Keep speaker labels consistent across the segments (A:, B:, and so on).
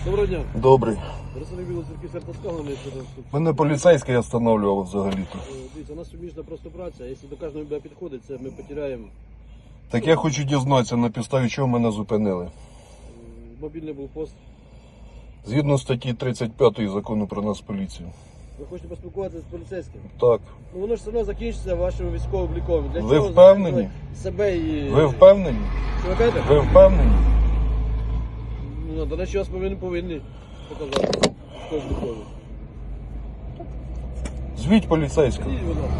A: Доброго дня.
B: Добрий. Мене поліцейський останавливав взагалі-то.
A: Дивіться, у нас суміжна просто праця, якщо до кожного буде підходить, це ми потеряємо.
B: Так я хочу дізнатися, на підставі чого мене зупинили.
A: Мобільний блокпост.
B: Згідно статті 35 закону про нас поліцію.
A: Ви хочете поспілкуватися з поліцейським?
B: Так.
A: Ну воно ж все одно закінчиться вашим військовим обліком. Для
B: Ви
A: чого
B: впевнені?
A: Себе і...
B: Ви впевнені?
A: Що ви кажете?
B: Ви впевнені?
A: Ну, до речі, вас повинні показати. Хто обліковий.
B: Звіть поліцейського.
A: Ідіть, будь ласка.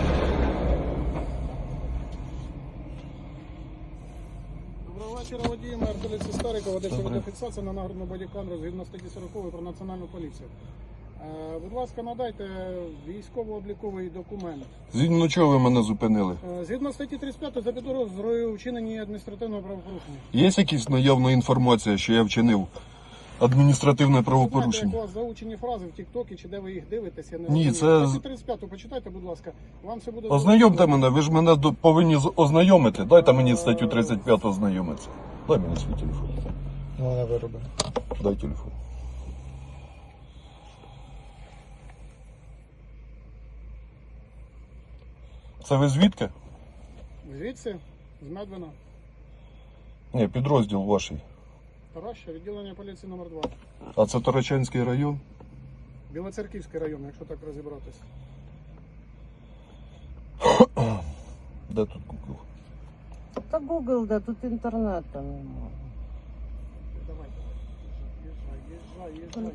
C: Доброго вечора, водій, мер поліції Старикова, ведеться відеофіксація на нагрудну бодікамеру згідно статті 40 про національну поліцію. Будь ласка, надайте військово-обліковий документ.
B: Згідно чого ви мене зупинили?
C: Згідно статті 35 за підозрою вчинення адміністративного правопорушення.
B: Є якась наявна інформація, що я вчинив адміністративне
C: Знаєте,
B: правопорушення?
C: як у вас заучені фрази в Тік-Токі, чи де ви їх дивитесь, я не
B: Ні,
C: розумію.
B: це-
C: Статтю 35 почитайте, будь ласка. Вам все буде...
B: Ознайомте мене, ви ж мене повинні ознайомити. Дайте мені статтю 35 ознайомитися. Дай мені свій телефон.
D: Вона виробила.
B: Дай телефон. Це ви звідки?
C: Звідси, з Медвина,
B: Ні, підрозділ ваший.
C: Тараща, відділення поліції номер 2.
B: А це Тарачанський район?
C: Білоцерківський район, якщо так розібратися.
B: Де тут Google?
E: Та Google, да, тут інтернету немає.
C: Давай, їжджай.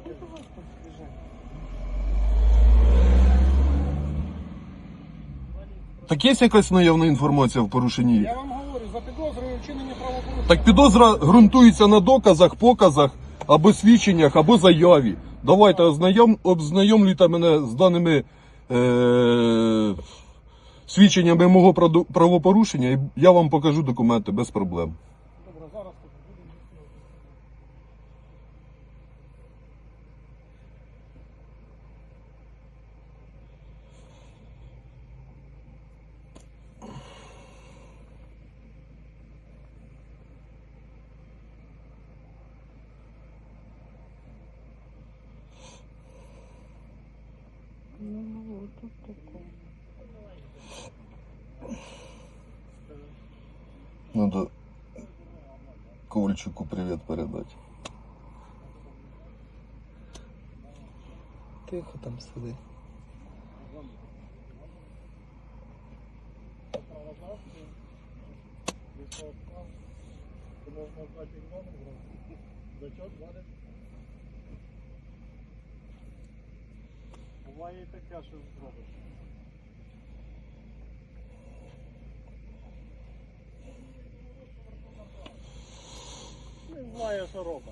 B: Так є якась наявна інформація в порушенні?
C: Я вам говорю, за підозрою вчинення правопорушення.
B: Так підозра ґрунтується на доказах, показах, або свідченнях, або заяві. Давайте ознайомлюйте мене з даними свідченнями мого правопорушення, і я вам покажу документи без проблем.
C: Добре, зараз тут будемо.
E: Ну, тут таке.
B: Надо Ковальчуку привет передать.
D: Тихо там сиди.
C: Буває і таке, що зробиш. Не знає, що робить.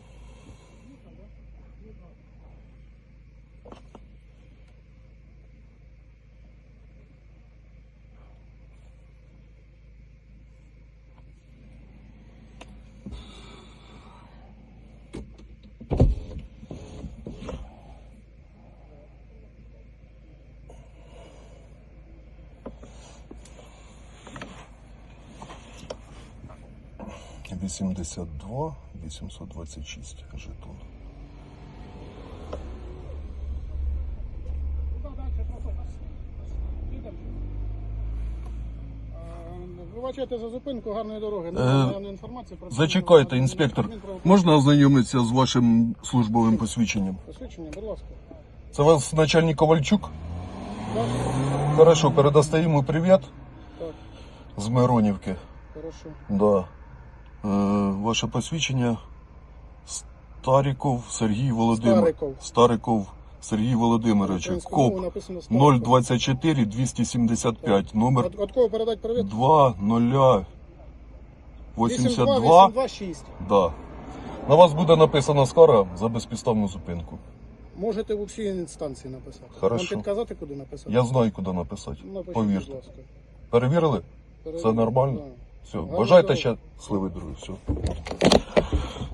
B: — 82 826 жетон.
C: Вибачайте за зупинку, гарної дороги. Наявна інформація про...
B: Зачекайте, інспектор. Можна ознайомитися з вашим службовим посвідченням?
C: Посвідчення, будь ласка.
B: Це вас начальник Ковальчук?
C: Так,
B: Хорошо, передасте йому привіт
C: так,
B: з Миронівки.
C: хорошо.
B: Да. Ваше посвідчення Стариков Сергій Володимирович. Стариков Сергій Володимирович. КОП 024 275. Номер
C: От кого передати привіт?
B: 2082.
C: 826.
B: Да. На вас буде написана скара за безпідставну зупинку.
C: Можете в усій інстанції написати.
B: Хорошо.
C: Вам підказати, куди написати?
B: Я знаю, куди написати.
C: Напишіть,
B: Повірте.
C: будь ласка.
B: Перевірили? Це нормально?
C: Да.
B: Все.
C: Гарно
B: Бажайте
C: дорого.
B: ще сливи, друзі. Все.